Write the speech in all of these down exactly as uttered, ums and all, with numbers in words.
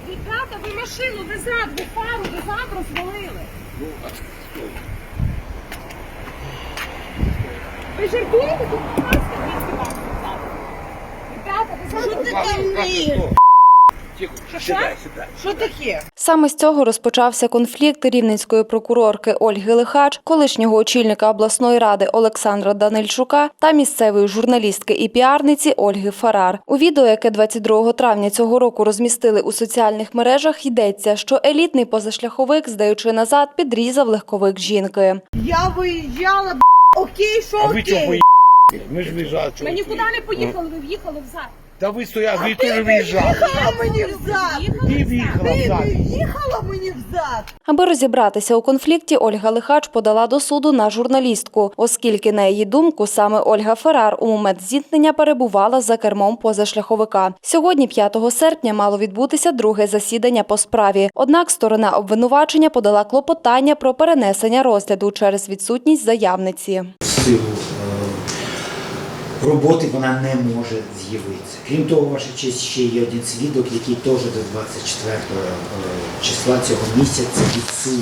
Ребята, ви машину, ви зад, ви фару, ви зад розвалили. Ви жартуєте? Тут ласка, двісті баксів ззаду. Ребята, ви зад, що ти там вмієш? Що, що? Що таке? Саме з цього розпочався конфлікт рівненської прокурорки Ольги Лихач, колишнього очільника обласної ради Олександра Данильчука та місцевої журналістки і піарниці Ольги Фарар. У відео, яке двадцять другого травня цього року розмістили у соціальних мережах, йдеться, що елітний позашляховик, здаючи назад, підрізав легковик жінки. Я виїжджала, б***, окей, що А ви чого окей? поїхали? Ми ж виїжджали. Ми нікуди не поїхали, ви в'їхали взад. Та ви стояли, ви теж виїжджали. Їхала мені взад. Ти в'їхала взад. Їхала мені взад. Аби розібратися у конфлікті, Ольга Лихач подала до суду на журналістку, оскільки, на її думку, саме Ольга Фарар у момент зіткнення перебувала за кермом позашляховика. Сьогодні, п'ятого серпня, мало відбутися друге засідання по справі. Однак сторона обвинувачення подала клопотання про перенесення розгляду через відсутність заявниці. Силу роботи вона не може з'явитися. Крім того, ваша честь, ще є один свідок, який теж до двадцять четвертого числа цього місяця відсутній.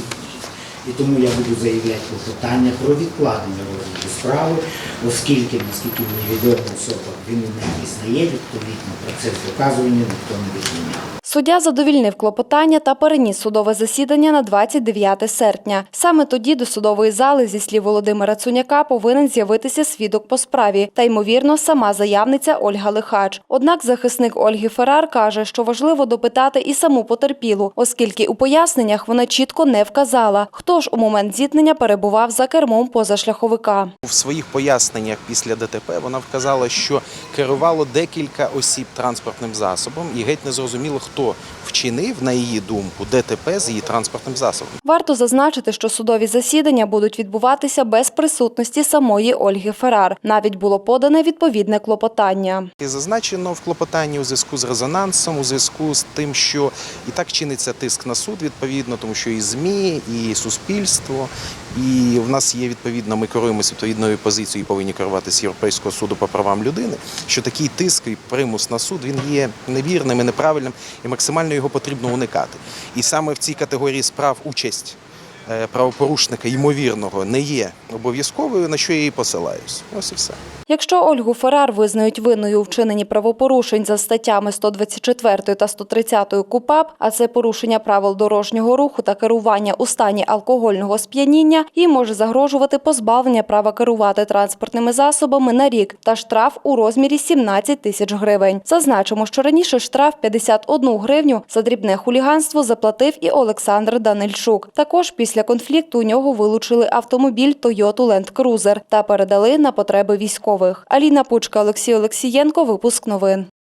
І тому я буду заявляти клопотання про відкладення розгляду справи, оскільки, наскільки мені відомо, особа він не визнає, відповідно процес доказування ніхто не відміняв. Суддя задовільнив клопотання та переніс судове засідання на двадцять дев'яте серпня. Саме тоді до судової зали, зі слів Володимира Цуняка, повинен з'явитися свідок по справі та, ймовірно, сама заявниця Ольга Лихач. Однак захисник Ольги Фарар каже, що важливо допитати і саму потерпілу, оскільки у поясненнях вона чітко не вказала, хто ж у момент зіткнення перебував за кермом позашляховика. В своїх поясненнях після ДТП вона вказала, що керувало декілька осіб транспортним засобом і геть не зрозуміло, хто вчинив, на її думку, ДТП з її транспортним засобом. Варто зазначити, що судові засідання будуть відбуватися без присутності самої Ольги Фарар. Навіть було подане відповідне клопотання. І зазначено в клопотанні у зв'язку з резонансом, у зв'язку з тим, що і так чиниться тиск на суд, відповідно, тому що і ЗМІ, і суспільство, і в нас є, відповідно, ми керуємося відповідною позицією і повинні керуватися Європейського суду по правам людини, що такий тиск і примус на суд, він є невірним і неправильним, і максимально його потрібно уникати. І саме в цій категорії справ участь правопорушника, ймовірного, не є обов'язковою, на що я і посилаюсь. Ось і все. Якщо Ольгу Фарар визнають винною у вчиненні правопорушень за статтями сто двадцять четвертою та сто тридцятою КУпАП, а це порушення правил дорожнього руху та керування у стані алкогольного сп'яніння, їй може загрожувати позбавлення права керувати транспортними засобами на рік та штраф у розмірі сімнадцять тисяч гривень. Зазначимо, що раніше штраф п'ятдесят одну гривню за дрібне хуліганство заплатив і Олександр Данильчук. Також після конфлікту у нього вилучили автомобіль Toyota Land Cruiser та передали на потреби військових. Аліна Пучка, Олексій Олексієнко, випуск новин.